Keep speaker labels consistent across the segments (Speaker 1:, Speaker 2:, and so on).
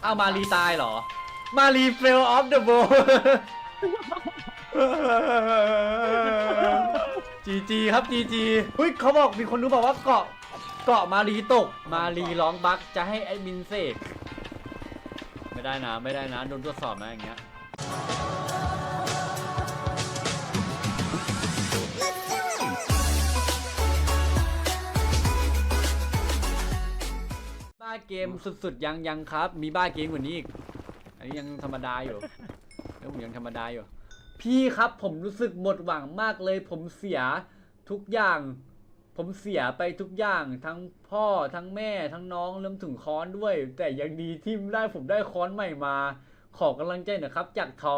Speaker 1: อ้าวมารีตายเหรอมารีเฟลออฟเดอะโบจีครับจีเฮ้ยเขาบอกมีคนรู้บอกว่าเกาะมารีตกมารีร้องบั๊กจะให้แอดมินเสกไม่ได้นะโดนตรวจสอบนะอย่างเงี้ยบ้าเกมสุดๆยังครับมีบ้าเกมกว่านี้อีกอันนี้ยังธรรมดาอยู่แล้วผมยังธรรมดาอยู่พี่ครับผมรู้สึกหมดหวังมากเลยผมเสียทุกอย่างผมเสียไปทุกอย่างทั้งพ่อทั้งแม่ทั้งน้องรวมถึงค้อนด้วยแต่ยังดีที่ได้ผมได้ค้อนใหม่มาขอกำลังใจหน่อยครับจากทอ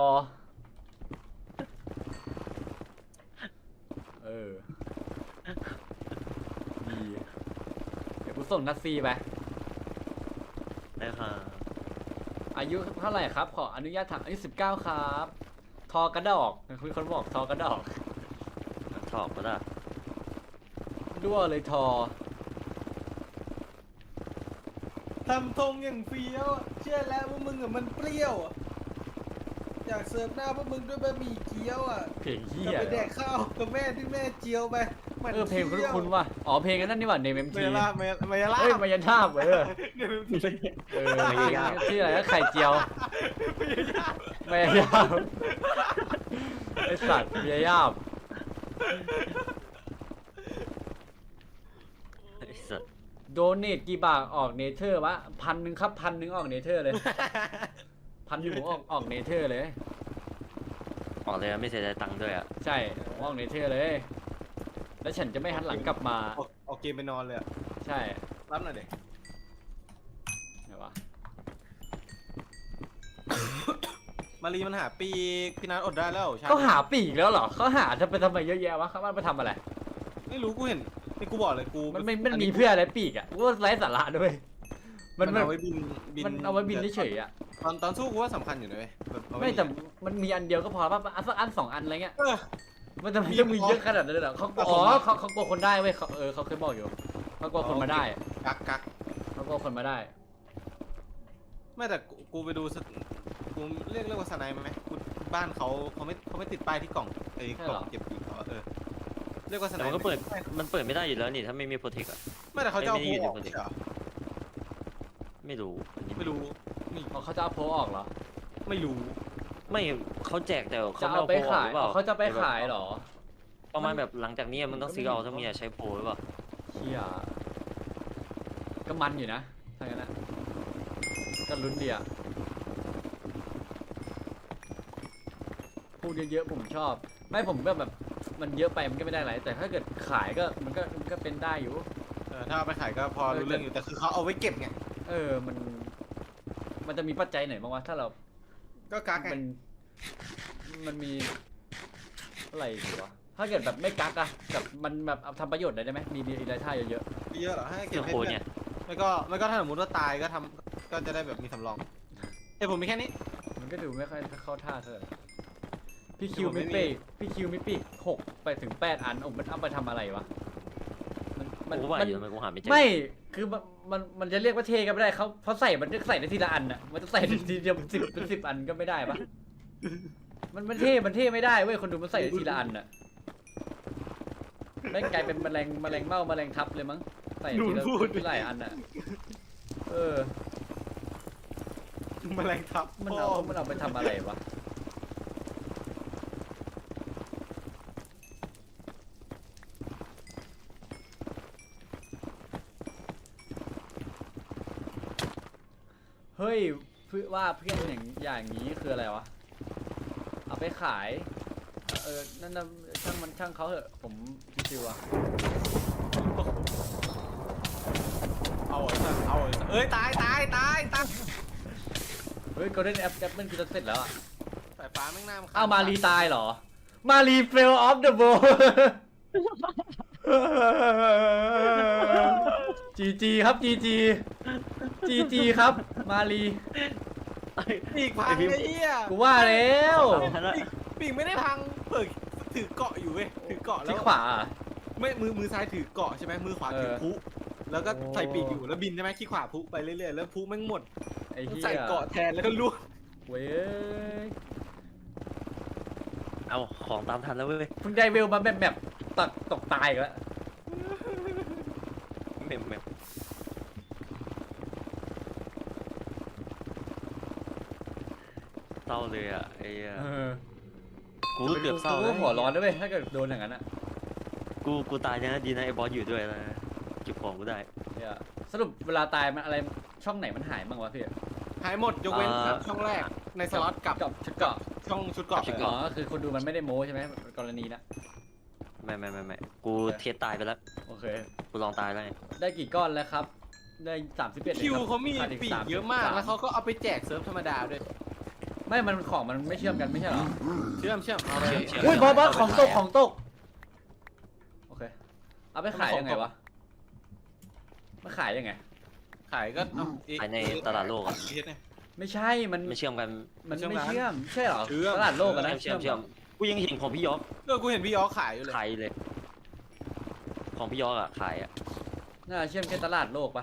Speaker 1: ดีเดี๋ยวกูส่งนัดซีไป
Speaker 2: ได้ค่ะ
Speaker 1: อายุเท่าไหร่ครับขออนุญาตถามอายุ19ครับทอกระดอกคุณคนบอกทอกระดอก
Speaker 2: ชอบปะล่ะ
Speaker 1: ด้วเลยทอ
Speaker 3: ทำทงอย่างเฟี้ยวเชื่อแล้วว่ามึงอะมันเปรี้ยวอยากเสิร์ฟหน้าพวกมึงด้วยบะหมี่เกี๊ยวอ่ะ
Speaker 1: เพลงเฮีย
Speaker 3: ไปแดกข้าวกับแม่ที่แม่เจียวไป
Speaker 1: เพลงคุณว่ะอ๋อเพลงนั้นนี่หว่าเนมเอ็มที
Speaker 3: มายาลา
Speaker 1: เฮ้ยมายาทาบที่อะไรก็ไข่เจียวมายาทาบไอสัตว์มายาทาบโดเนทกี่บาทออกเนเธอร์วะ1,000ครับ1,000ออกเนเธอร์เลย1,000ออกเนเธอร์เลย
Speaker 2: ออกเลยไม่เสียใจตังค์ด้วยอ่ะ
Speaker 1: ใช่ออกเนเธอร์เลยแล้วฉันจะไม่หันหลังกลับมา
Speaker 3: ออกเกมไปนอนเลย
Speaker 1: ใช่
Speaker 3: รับหน่อยเด็ก
Speaker 1: ไหนวะ
Speaker 3: มารีมันหาปีกพี่นัทอดได้แล้ว
Speaker 1: เขาหาปีกแล้วเหรอเขาหาจะไปทำไมเยอะแยะวะเขามาทำอะไร
Speaker 3: ไม่รู้กูเห็นนี่กูบอกเลยกู
Speaker 1: มันมีเพื่ออะไรปีกอ่ะกูว่าไร้สาระด้วย
Speaker 3: มันเอาไว้บิน
Speaker 1: มันเอาไว้บินเฉยอ่ะ
Speaker 3: ตอนสู้กูว่าสำคัญอยู่นะเว้ย
Speaker 1: ไม่แต่มันมีอันเดียวก็พอป่ะอัน2 อันอะไรเงี้ยมันจะมีเยอะขนาดนั้นเลยเหรอเขากลัวคนได้เว้ยเขาเคยบอกอยู่เขากลัวคนมาได้
Speaker 3: กัก
Speaker 1: เขากลัวคนมาได้
Speaker 3: ไม่แต่กูไปดูกูเรียกว่าสไนไหมบ้านเขาไม่ติดป้ายที่กล่องไอ้กล่องเก็บปีกเขาเรียกว่าสไน
Speaker 2: มันก็มันเปิดไม่ได้อยู่แล้วนี่ถ้าไม่มีโปรเทคอะ
Speaker 3: ไม่แต่เขาจะเอาโพออกเหรอ
Speaker 2: ไม่รู้
Speaker 1: เขาจะเอาโพออกเหรอ
Speaker 3: ไม่รู้
Speaker 2: ไม่เขาแจกแต่
Speaker 1: เขาเอาไปขายเขาจะไปขายเหรอ
Speaker 2: ประมาณแบบหลังจากนี้มึงต้องซื้อเอาถ้ามึงอยากใช้โปรหรือเปล่า
Speaker 1: เฮียก็มันอยู่นะทางนั้นนะก็ลุ้นดีอะพูดเยอะๆผมชอบไม่ผมแบบมันเยอะไปมันก็ไม่ได้อะไรแต่ถ้าเกิดขายก็มันก็เป็นได้อยู่
Speaker 3: ถ้าเอาไปขายก็พอรู้เรื่องอยู่แต่คือเขาเอาไว้เก็บไง
Speaker 1: มันจะมีปัจจัยไหนบ้างวะถ้าเรา
Speaker 3: ก็กักไง
Speaker 1: มันมีอะไรอยู่วะถ้าเกิดแบบไม่กักอะแบบมันแบบทำประโยชน์ได้ไหมมีรายได้เยอะ
Speaker 3: เหรอให้เก็บให้เพื่อนไม่ก็ถ้าสมมติว่าตายก็จะได้แบบมีสำรองผมมีแค่นี้
Speaker 1: มันก็ดูไม่ค่อยเข้าท่าเท่าไหร่พี่คิวไม่ปีก6ไปถึง8 อันมันเอาไปทำอะไรวะ
Speaker 2: มันกูหาไม่เจอ
Speaker 1: ไม่คือมันจะเรียกว่าเทก็ไม่ได้เขาใส่มันจะใส่ได้ทีละอันอ่ะมันจะใส่ทีเดียว10 อันก็ไม่ได้ปะมันเทไม่ได้เว้ยคนดูมันใส่ได้ทีละอันอ่ะไม่กลายเป็นแมลงเม่าแมลงทับเลยมั้งใส่ทีละหลายอันอ่ะ
Speaker 3: แมลงทับ
Speaker 1: มันเอาไปทำอะไรวะเฮ้ยว่าเพื่อนอย่างนี้คืออะไรวะเอาไปขายนั่นนะช่างเขาเหอะผมชิวอะ
Speaker 3: ตาย
Speaker 1: เฮ้ยโกลเด้นแอปมันคือจะเสร็จแล้วอะ
Speaker 3: สายฟ้าแม่งน้ำ
Speaker 1: อ้าวมารีตายเหรอมารีเฟลออฟเดอะโบจีครับจีครับมารี
Speaker 3: ปีกพังไอ้เหี้ย
Speaker 1: กูว่าแล้ว
Speaker 3: ปีกไม่ได้พังถือเกาะอยู่เว้ยถือเกาะแล้ว
Speaker 1: ที่ขวา
Speaker 3: ไม่มือซ้ายถือเกาะใช่ไหมมือขวาถือพุแล้วก็ใส่ปีกอยู่แล้วบินใช่ไหมขี้ขวาพุไปเรื่อยๆแล้วพุแม่งหมด
Speaker 1: ไอ้เหี้ย
Speaker 3: ใส่เกาะแทนแล้วก็ล่วง
Speaker 1: เว้ย
Speaker 2: เอาของตามทันแล้วเว้ย
Speaker 1: เพิ่งได้เวลมาแบบตกตายอีกแล้ว
Speaker 2: เมมเศร้าเลยอ่ะไอ้เหี้ย
Speaker 1: เออ
Speaker 2: กูก็เกือบเศร้า
Speaker 1: กู
Speaker 2: นะ
Speaker 1: ก็หัวร้อนด้วยเว้ยถ้าเกิดโดนอย่างนั้นอะ
Speaker 2: กูตายนะดีนะไอ้บอสอยู่ด้วยนะเก็บของกูได้
Speaker 1: เนี่ยสรุปเวลาตายมันอะไรช่องไหนมันหายบ้างวะพี่
Speaker 3: หายหมดยกเว้นช่องแรกในสล็อตกับ
Speaker 1: ชุดเกราะ
Speaker 3: ช่องชุดเกาะ
Speaker 1: อ๋อคือคนดูมันไม่ได้โม้ใช่ไหมกรณีนะ
Speaker 2: ไม่กูเทสตายไปแล้ว
Speaker 1: โอเค
Speaker 2: กูลองตายแล้วไง
Speaker 1: ได้กี่ก้อนแล้วครับ ได้31
Speaker 3: คิวเขามี
Speaker 1: ขาดอี
Speaker 3: ปีกเยอะมาก แล้วเขาก็เอาไปแจกเซิร์ฟธรรมดาด้วย
Speaker 1: ไม่มันของมันไม่เชื่อมกันไม่ใช่เหรอ
Speaker 3: เชื่อมเอาเลย
Speaker 1: อุ้ยบอสของตกโอเคเอาไปขายยังไงวะมาขายยังไง
Speaker 3: ขายก็เอา
Speaker 2: ภายในตลาดโลกอ่ะ
Speaker 3: เนี่ย
Speaker 1: ไม่ใช่มัน
Speaker 2: ไม่เชื่อมกัน
Speaker 1: มันไม่เชื่อมใช่เหรอ
Speaker 3: เชื่อม
Speaker 1: ตลาดโลกอะนะ
Speaker 2: เชื่อมกูยังเห็นของพี่ยอก
Speaker 3: กูเห็นพี่ยอขายอยู่เลย
Speaker 2: ขายเลย ของพี่ยอกอ่ะขายอ่ะ
Speaker 1: น่าเชื่อมแค่ตลาดโลกปะ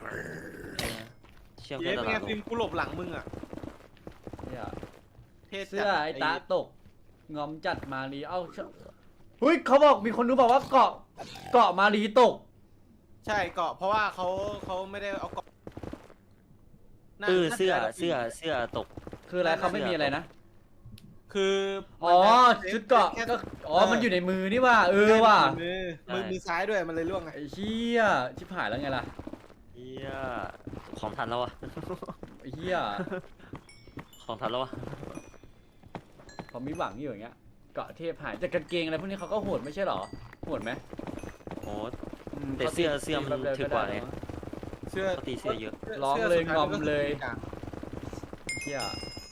Speaker 2: เชื่อม
Speaker 3: เย้
Speaker 2: แค่ต
Speaker 3: เป็น
Speaker 2: ลา
Speaker 3: ไง
Speaker 2: ดโล
Speaker 3: ฟิ
Speaker 2: ก
Speaker 3: ล์มกูหลบหลังมึงอ่ะ
Speaker 1: เนี่ย
Speaker 3: เท่จัด
Speaker 1: เสื้อไอ้ตาตกงอมจัดมารีเอ้าเฮ้ยเขาบอกมีคนดูบอกว่าเกาะมารีตก
Speaker 3: ใช่เกาะเพราะว่าเขาไม่ได้เอาเกาะน่า
Speaker 2: เสื้อ
Speaker 3: น่าจะ
Speaker 2: ตก
Speaker 1: คืออะไรเขาไม่มีอะไรนะ
Speaker 3: คือ
Speaker 1: อ๋อชุดเกาะก็อ๋อมันอยู่ในมือนี่ว่าว่ะ
Speaker 3: มือซ้ายด้วยมันเลยล่วงไง
Speaker 1: ไอ้เหี้ยชิบหายแล้วไงล่ะ
Speaker 2: เฮียของทันแล้วอ่ะ
Speaker 1: ไอ้เหี้ย
Speaker 2: ของทันแล้วอ่ะ
Speaker 1: ผมมีหวังอยู่อย่างเงี้ยเกาะเทพหายแต่กางเกงอะไรพวกนี้เขาก็โหดไม่ใช่หรอโหดไหม
Speaker 2: โอ้แต่เสื้อมันถือกว่าไง
Speaker 3: เสื้อ
Speaker 2: เขาตีเสื้อเยอะ
Speaker 1: ร้องเลยงอมเลย
Speaker 3: กลาง
Speaker 1: เหี้ย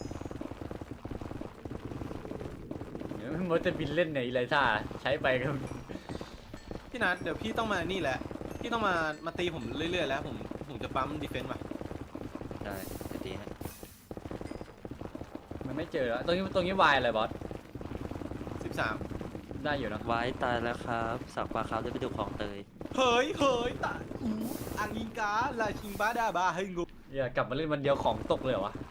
Speaker 1: เดี๋ยวมันจะบินเล่นไหนไรท่าใช้ไปก็
Speaker 3: พี่นัทเดี๋ยวพี่ต้องมานี่แหละพี่ต้องมาตีผมเรื่อยๆแล้วผมจะปั๊มดีเฟนต์ว่ะ
Speaker 2: ได้จะตีให้
Speaker 1: มันไม่เจอแล้วตรงนี้วายอะไรบอส
Speaker 3: 13
Speaker 1: ได้อยู่เนอะ
Speaker 2: ไว้ตายแล้วครับสักปลาครับได้ไปดูของเตย
Speaker 3: เฮ้ยตาอังกิงกาลาชิงบาดาบาเฮ้ยงู
Speaker 1: อย่ากลับมาเล่นวันเดียวของตกเลยเหรอวะ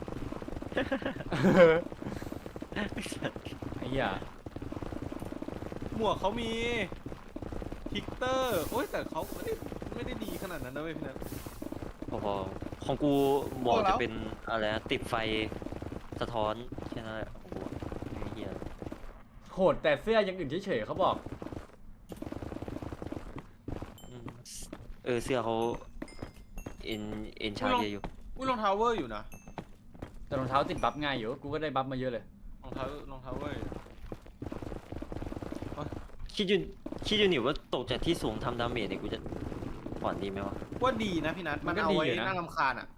Speaker 1: ไอ้เหี้ย
Speaker 3: หมวกเขามีทิกเตอร์โอ้ยแต่เขาไม่ได้ดีขนาดนั้นนะเว้ยพี่นัท
Speaker 2: พอของกูหมวก
Speaker 3: พอแล้ว
Speaker 2: จะเป็นอะไรนะติดไฟสะท้อนแค่นั้นแหละโอ้โหไม่เฮีย
Speaker 1: โหดแต่เสื้อยังอื่นเฉยๆเขาบอก
Speaker 2: อืมเสื้อเขาเอ็นชาเยอะอยู่
Speaker 3: อุ้ยรองเท้าเวอร์อยู่นะ
Speaker 1: แต่รองเท้าติดบัฟง่ายอยู่กูก็ได้บัฟมาเยอะเลย
Speaker 3: รองเท้าเวอร์อยู่
Speaker 2: คิดอยู่นี่ว่าตกจากที่สูงทำดาเมจเนี่ยกูจะผ่อนดีไหมวะ
Speaker 3: ว่าดีนะพี่นัทมันเอาไว้น่ารำคาญอ่ะ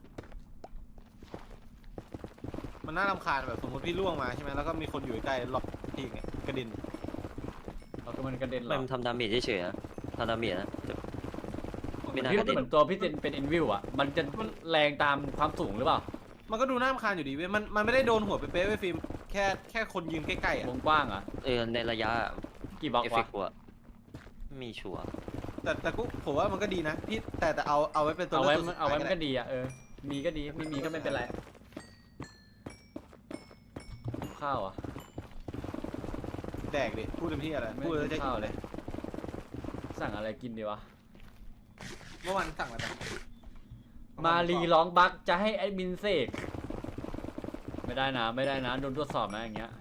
Speaker 3: มันน่ารำคาญแบบสมมติพี่ล่วงมาใช่ไหมแล้วก็มีคนอยู่ใกล้ๆหลบทีไงกระเด็น
Speaker 1: เราก็มันกระเด็นเหร
Speaker 2: ไม่
Speaker 1: อ
Speaker 2: มันทำดาเมจเฉยๆนะทำดาเมจนะแต่ไม่น่า
Speaker 1: พี่
Speaker 2: กระเด็น
Speaker 1: เหมือนตัวพี่เป็นอินวิวอ่ะมันจะแรงตามความสูงหรือเปล่า
Speaker 3: มันก็ดูน่ารำคาญอยู่ดีเว้ยมันไม่ได้โดนหัวเป๊ะๆเว้ยฟิล์มแค่คนยืนใกล้ๆอ่ะ
Speaker 1: วงกว้างอ่ะ
Speaker 2: ในระยะ
Speaker 1: กี่บล็อก
Speaker 2: เอฟเฟ
Speaker 1: วะ
Speaker 2: กต์กูอะมีชัวร์
Speaker 3: แต่กูผมว่ามันก็ดีนะพี่แต่เอาไว้เป็นตัว
Speaker 1: เอา
Speaker 3: เลื
Speaker 1: ไว้
Speaker 3: อกตัวสุด
Speaker 1: เอาไว้
Speaker 3: ท้าย
Speaker 1: มัน
Speaker 3: ก็
Speaker 1: ก็
Speaker 3: ได้
Speaker 1: ดีอ่ะมีก็ดีไม่มีก็ไม่เป็นไรข้าวอ่ะ
Speaker 3: แดกดิพูดเต็มที่อะไร
Speaker 1: ไม่
Speaker 3: พูดแล้ว
Speaker 1: กิ
Speaker 3: จะ
Speaker 1: นข้าวเลย สั่งอะไรกินดีวะ
Speaker 3: เมื่อวานสั่งอะไรไป
Speaker 1: มารีร้องบักจะให้แอดมินเสกไม่ได้นะโดนตรวจสอบนะอย่างเงี้ย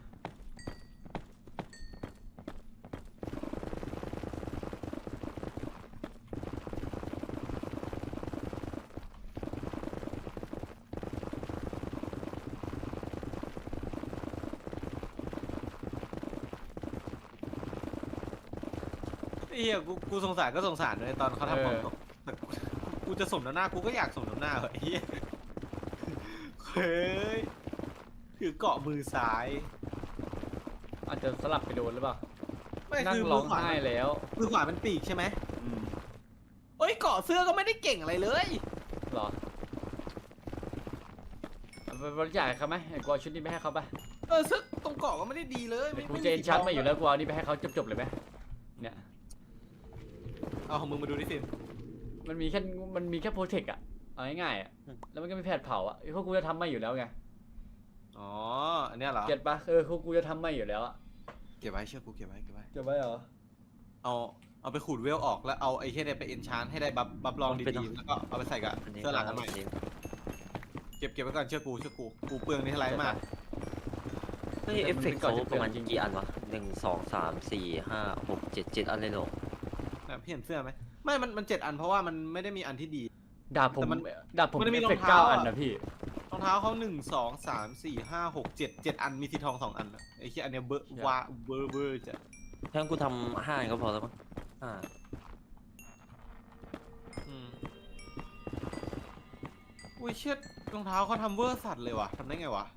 Speaker 3: ไอ้เหี้ยกูสงสารก็สงสารเลยตอนเขาทำของตกแต่กูจะสมน้ำหน้ากูก็อยากสมน้ำหน้าเหรอไอ้เหี้ยเฮ้ยถือเกาะมือซ้าย
Speaker 1: อาจจะสลับไปโดนหรือเปล่า
Speaker 3: ไม่
Speaker 1: นั่ง
Speaker 3: คือ
Speaker 1: ร้
Speaker 3: มื
Speaker 1: อง
Speaker 3: อขวา
Speaker 1: ไห้แล้ว
Speaker 3: มือขวาเป็นปีกใช่ไหม
Speaker 1: อืม
Speaker 3: เอ้ยเกาะเสื้อก็ไม่ได้เก่งอะไรเลย
Speaker 1: เหรอเอาไปบริจาคให้เขาไหมไอ้กูเอาชุดนี้ไปให้เขาไป
Speaker 3: เสื้อตรงเกาะก็ไม่ได้ดีเลย
Speaker 1: กูเจนชัดมาอยู่แล้วกูเอานี่ไปให้เขาจบๆเลยไหมเนี่ย
Speaker 3: เอาของมึงมาดูดิฟิล์ม
Speaker 1: มันมีแค่โปรเทคอะเอาง่ายๆอะแล้วมันก็มีแผดเผาอ่ะพวกกูจะทำไม่อยู่แล้วไง
Speaker 3: อ๋ออันเนี้ยเหรอ
Speaker 1: เก็ตปะพวกกูจะทำไม่อยู่แล้วอ่ะ
Speaker 3: เก็บไว้เชื่อกูเก็บไว้เก็บไว้
Speaker 1: เก็บไว้เหรอ
Speaker 3: เอาไปขูดเวลออกแล้วเอาไอ้เหี้ยเนี่ยไปเอนชานให้ได้บัฟลองดีๆแล้วก็เอาไปใส่กับ
Speaker 2: อันนี้
Speaker 3: เสื้อหลังกันใหม่
Speaker 2: อันนี้
Speaker 3: เก็บไว้ก่อนเชื่อกูกูเปลืองนี่ไรมาก
Speaker 2: เฮ้ยเอฟเฟกต์เขาประมาณกี่อันวะ1 2 3 4 5 6 7 7 อันเลยเหรอ
Speaker 3: นะพี่เห็นเสื้อไหมไม่มัน7 อันเพราะว่ามันไม่ได้มีอันที่ดี
Speaker 1: ดาบผม
Speaker 3: แต่มัน
Speaker 1: ดาบผม
Speaker 3: มันจะมี
Speaker 1: เอฟเฟกต์
Speaker 3: รองเท้า
Speaker 1: 9 อัน
Speaker 3: อะ
Speaker 1: นะพี่
Speaker 3: รองเท้าเขา1 2 3 4 5 6 7 อันมีสีทอง2 อันอะไอ้เหี้ยอันเนี้ยเบอร์ว่าเบอร์จะ
Speaker 2: ถ้ากูทำ5อันก็พอแล้วมั้ง5
Speaker 3: อืมอุ้ยเชิดรองเท้าเขาทำเวอร์สัตว์เลยว่ะทำได้ไงวะ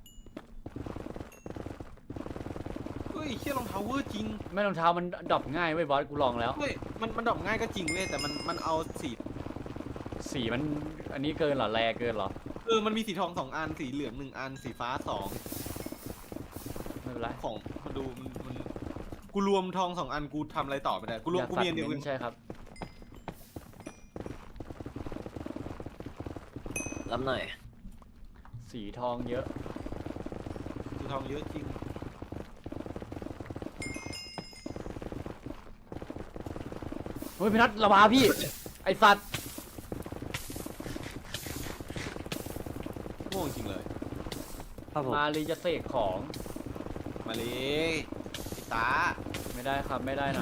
Speaker 3: เฮ้ยเชี่ยรองเท้าเวอร์จริง
Speaker 1: ไม่รองเท้ามันดรอปง่ายเว้ยบอสกูลองแล้ว
Speaker 3: เฮ้ยมันดรอปง่ายก็จริงเว้ยแต่มันเอาสี
Speaker 1: สีมันอันนี้เกินเหรอแรเกินเหรอ
Speaker 3: มันมีสีทอง2 อันสีเหลือง1 อันสีฟ้า2
Speaker 1: ไม่เป็นไร
Speaker 3: ของมาดูมันกูรวมทอง2 อันกูทำอะไรต่อไม่ได้กูรวม
Speaker 1: อยาก
Speaker 3: กู
Speaker 1: ตัด
Speaker 3: มีอันเดียว
Speaker 1: เน้นใช่ครับ
Speaker 2: รับหน่อย
Speaker 1: สีทองเยอะ
Speaker 3: สีทองเยอะจริง
Speaker 1: เฮ้ยพี่นัทระบาพี่ ไอสัตว์
Speaker 3: โง่จริงเลย
Speaker 2: ครับผม
Speaker 1: มาลีจะเสกของ
Speaker 3: มาเลยไอ้ตา
Speaker 1: ไม่ได้ครับไม่ได้นะ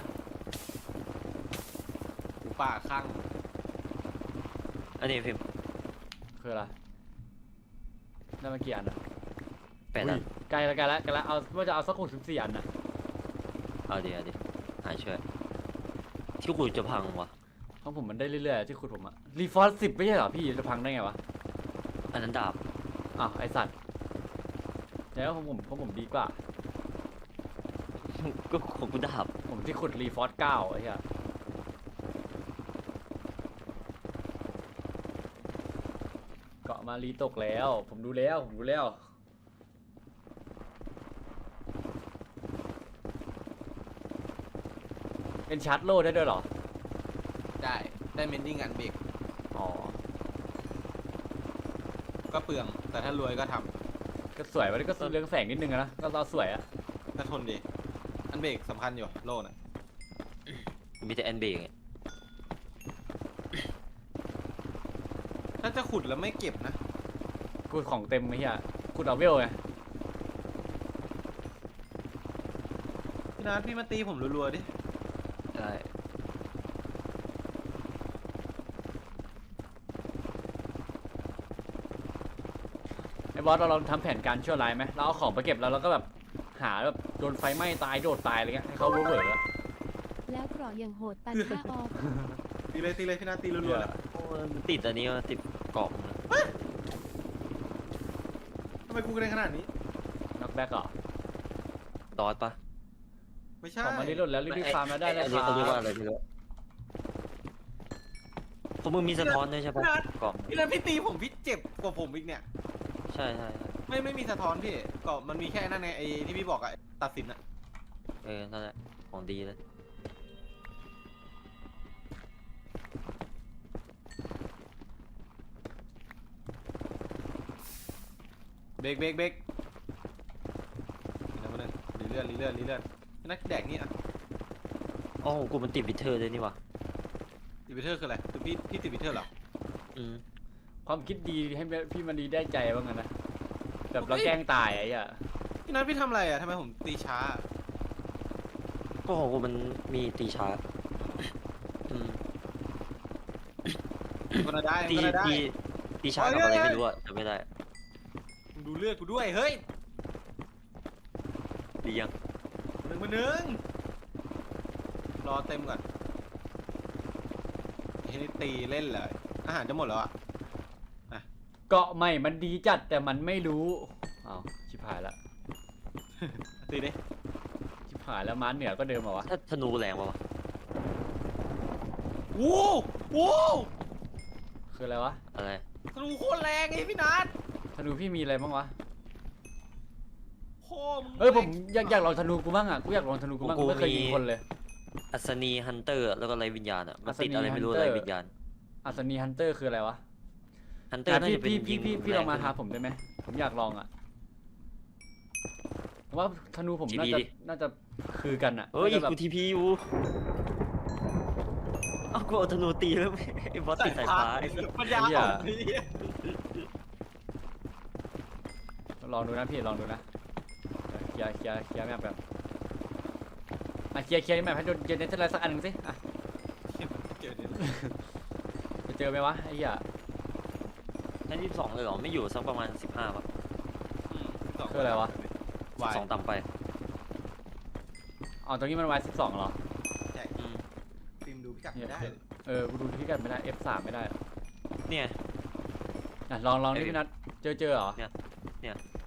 Speaker 3: กูป่าข้าง
Speaker 2: อันนี้พิมพ์
Speaker 1: คืออะไรได้มากี่อันอะ
Speaker 2: 8 อัน
Speaker 1: ใกล้แล้วเอาว่าจะเอาสัก64 อันนะ
Speaker 2: เอาดิหายเชื่อที่กูจะพังวะ
Speaker 1: เพราะผมมันได้เรื่อยๆที่ขุดผมอะรีฟอร์ส10ไม่ใช่เหรอพี่จะพังได้ไงวะ
Speaker 2: อันนั้นดาบ
Speaker 1: อ้าวไอสัตว์แล้วผมดีกว่า
Speaker 2: ก็ของกูดาบ
Speaker 1: ผมที่ขุดรีฟอร์ส9ไอ้เหี้ยเกาะมารีตกแล้ว ผมดูแล้วเป็นชาร์จโลได้ด้วยเหรอ
Speaker 3: ได้เมนดิ้งอันเบรก
Speaker 1: อ๋อ
Speaker 3: ก็เปลืองแต่ถ้ารวยก็ท
Speaker 1: ก็สวยวันนี้ก็เรื่องแสงนิดนึงอะนะ ก็เราสวยอะ
Speaker 3: ำก็ทนดีอันเบรกสำคัญอยู่โล่น่ะ
Speaker 2: มีแต่แอนเบกไง
Speaker 3: ถ้าจะขุดแล้วไม่เก็บนะ
Speaker 1: กูของเต็มไอ้เหี้ยขุดเอาเวลไง
Speaker 3: พี่นัทพี่มาตีผมรัวๆดิ
Speaker 1: ใช่ไอ้บอสเราลองทำแผนการชั่วร้ายไหมเราเอาของไปเก็บแล้วเราก็แบบหาแบบโดนไฟไหม้ตายโดดตายอะไรเงี้ยให้เขารู้เหอะ
Speaker 4: แล้วเกราะอย่างโหดตันค่าออก
Speaker 3: ตีเลยพี่นัทตีรัวๆเลย
Speaker 2: โอ้ยมันติดอันนี้มันติดกล่องนะ
Speaker 3: ทำไมกูกระเด็นขนาดนี้
Speaker 1: น็อกแบ็กเหรอ
Speaker 2: ดอทปะ
Speaker 3: ไม่ใช่
Speaker 1: ของมารีโหลดแล้วรีบๆฟาร์มแล้วได้เลย
Speaker 2: อัน
Speaker 1: ค
Speaker 2: นี้
Speaker 1: รั
Speaker 2: เขาเรียกว่า
Speaker 1: บ
Speaker 2: อะไรพี่รู้พวกมึงมีสะท้อนด้วยใช่ปะกล่อง
Speaker 3: พี่นัทพี่ตีผมพี่เจ็บกว่าผมอีกเนี่ย
Speaker 2: ใช่
Speaker 3: ไม่มีสะท้อนพี่ก็มันมีแค่นั่นไงไอ้ที่พี่บอกอะตัดสินอะ
Speaker 2: นั่นแหละของดีเลย
Speaker 3: เบรกเดี๋ยวมาเลยรีเลื่อนพี่นัทแดกนี่อะ
Speaker 2: อ๋อของกูมันติดวิเทอร์ด้วยนี่วะ
Speaker 3: ติดวิเทอร์คืออะไรคือพี่ติดวิเทอร์เหรอ
Speaker 2: อืม
Speaker 1: ความคิดดีให้พี่มันดีได้ใจบ้างนะแบบเราแกล้งตายไอ้เหี้ย
Speaker 3: พี่นัทพี่ทำอะไรอะทำไมผมตีช้า
Speaker 2: ก็ของกูมันมีตีชาร์จอืม
Speaker 3: ก็ได้
Speaker 2: ตี
Speaker 3: ก็ได้
Speaker 2: ตีชาร์จกับอะไรไม่รู้อะจำไม่ได้
Speaker 3: มึงดูเลือดกูด้วยเฮ้ย
Speaker 2: ดียัง
Speaker 3: หนึ่งรอเต็มก่อนเฮ้ยนี่ตีเล่นเลยอาหารจะหมดแล้วอะ
Speaker 1: เกาะใหม่มันดีจัดแต่มันไม่รู้อ้าวชิบหายละ
Speaker 3: ตีดิ
Speaker 1: ชิบหายแล้วม้าเหนือก็เดิมเหรอวะ
Speaker 2: ถ้าธนูแรงปะวะ
Speaker 3: โว้
Speaker 1: คืออะไรวะ
Speaker 2: อะไร
Speaker 3: ธนูโคตรแรงไอ้พี่นัท
Speaker 1: ธนูพี่มีอะไรบ้างวะ
Speaker 3: โคตร
Speaker 1: เอ้ยผมอยากลองธนูกูบ้างอ่ะกูอยากลองธนูกูบ้างกูไม่เคยยิงคนเลย
Speaker 2: อัศนีฮันเตอร์แล้วก็ไรวิญญาณอะมันติด
Speaker 1: อัศนี
Speaker 2: อะไรไม่รู้
Speaker 1: Hunter
Speaker 2: ไรวิญญาณ
Speaker 1: อัศนีฮันเตอร์คืออะไรวะ
Speaker 2: ฮันเตอร์น่า
Speaker 1: พี่
Speaker 2: จะเป็น
Speaker 1: พี่
Speaker 2: ยิง
Speaker 1: พี่ลองมา
Speaker 2: แร
Speaker 1: หาผมได้ไหมผมอยากลองอ่ะเพราะว่าธนูผมน่าจะคือกันอ่ะ
Speaker 2: เอ้ย
Speaker 1: น่าจะแบบ
Speaker 2: กูทีพีอยู่เอ้ากูเอาธนูตีแล้วไอ้บอสติดสายฟ้าไอ้สัส
Speaker 3: ปัญญาอ่อนไอ้เหี้ย
Speaker 1: ลองดูนะพี่ลองดูนะเคลียร์แมปแบบเคลียร์แมปให้ดูเจเนเธอร์ไรสักอันหนึ่งสิอ่ะ
Speaker 3: เจอเนี่ย
Speaker 1: จะเจอไหมวะไอ้เหี้ย
Speaker 2: ชั้น22เลยเหรอไม่อยู่สักประมาณ15ป่ะ
Speaker 1: คืออะไรวะ
Speaker 3: วาย
Speaker 2: 12ต่ำไป
Speaker 1: อ๋อตรงนี้มันวาย12เหรอ
Speaker 2: อืม
Speaker 3: ฟิล์มดูพิกัด
Speaker 1: เนี่ย
Speaker 3: ไม่ได้
Speaker 1: กูดูพิกัดไม่ได้ F3 ไม่ได้
Speaker 2: เนี่ย
Speaker 1: อ่ะลองนี่พี่นัทเจอเหรอ
Speaker 2: เนี่ย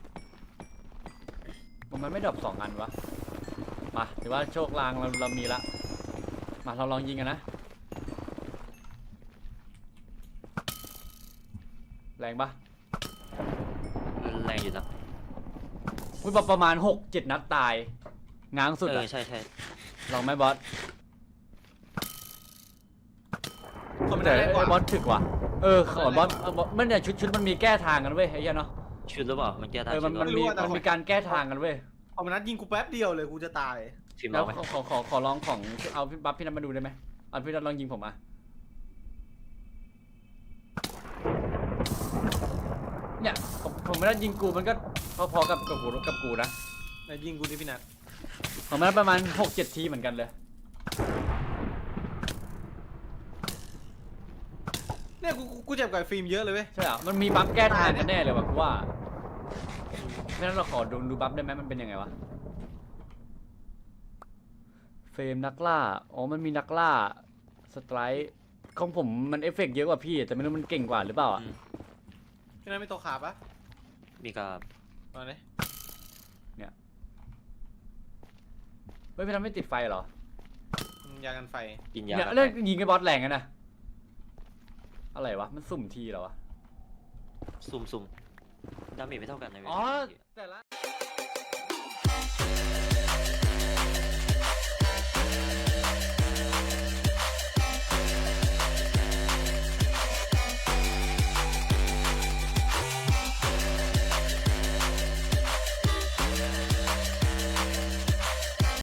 Speaker 1: มันไม่ดรอป2 อันวะมาถือว่าโชคลางเรามีละมาเราลองยิงกันนะแรงปะ
Speaker 2: แรงอยู่นะ
Speaker 1: อุ้ยประมาณ 6-7 นัดตายง้างสุด
Speaker 2: เอ
Speaker 1: อะ
Speaker 2: อใช่ใช่
Speaker 1: ลองไหมบอส
Speaker 3: เขาไม่
Speaker 1: แต่
Speaker 3: ได้แรงกว่า
Speaker 1: ไอ้บอสถึกว่ะขอบอสมันเนี่ยชุดมันมีแก้ทางกันเว้ยไอ้เหี้ยเนาะ
Speaker 2: ชุดหรือเปล่ามันแก้ทาง
Speaker 1: มัน
Speaker 2: ชุดหรือ
Speaker 1: มี
Speaker 2: เปล่า
Speaker 1: มันมีการแก้ทางกันเว้ย
Speaker 3: เอามานัดยิงกูแป๊บเดียวเลยกูจะตาย
Speaker 2: ฟิล์ม
Speaker 1: แล้ว
Speaker 2: เอาไหม
Speaker 1: ขอลองของเอาพี่บัฟพี่นัทมาดูได้ไหมเอาพี่นัทลองยิงผมอ่ะเนี่ยผมไม่ได้ยิงกูมันก็พอๆกับกูนะ
Speaker 3: นายยิงกูที่พี่นัท
Speaker 1: ผมไม่ได้ประมาณ 6-7 ทีเหมือนกันเลย
Speaker 3: เนี่ยกูเจ็บกับฟิล์มเยอะเลยเว้ย
Speaker 1: ใช่เหรอมันมีบัฟแก้ทางกันแน่เลยว่ะกูว่าไม่งั้นเราขอดูบัฟได้ไหมมันเป็นยังไงวะเฟรมนักล่าอ๋อมันมีนักล่าสไตร์ของผมมันเอฟเฟกต์เยอะกว่าพี่แต่ไม่รู้มันเก่งกว่าหรือเปล่าอ่ะ
Speaker 3: พี่นัทไม่ตกขาปะ
Speaker 2: มีกับ
Speaker 3: มาเลย
Speaker 1: เฮ้ยพี่ทำไม่ติดไฟเหรอ
Speaker 3: ยากันไฟ
Speaker 2: กินยา
Speaker 1: เนี่ย
Speaker 2: กัน
Speaker 1: เล่น
Speaker 2: ไป
Speaker 1: ยิงไอ้บอสแรงกันนะอะไรวะมันสุ่มทีเหรอวะ
Speaker 2: ซุ่มดาเมจไม่เท่ากันนะเว้ย
Speaker 1: อ๋อแต่ละ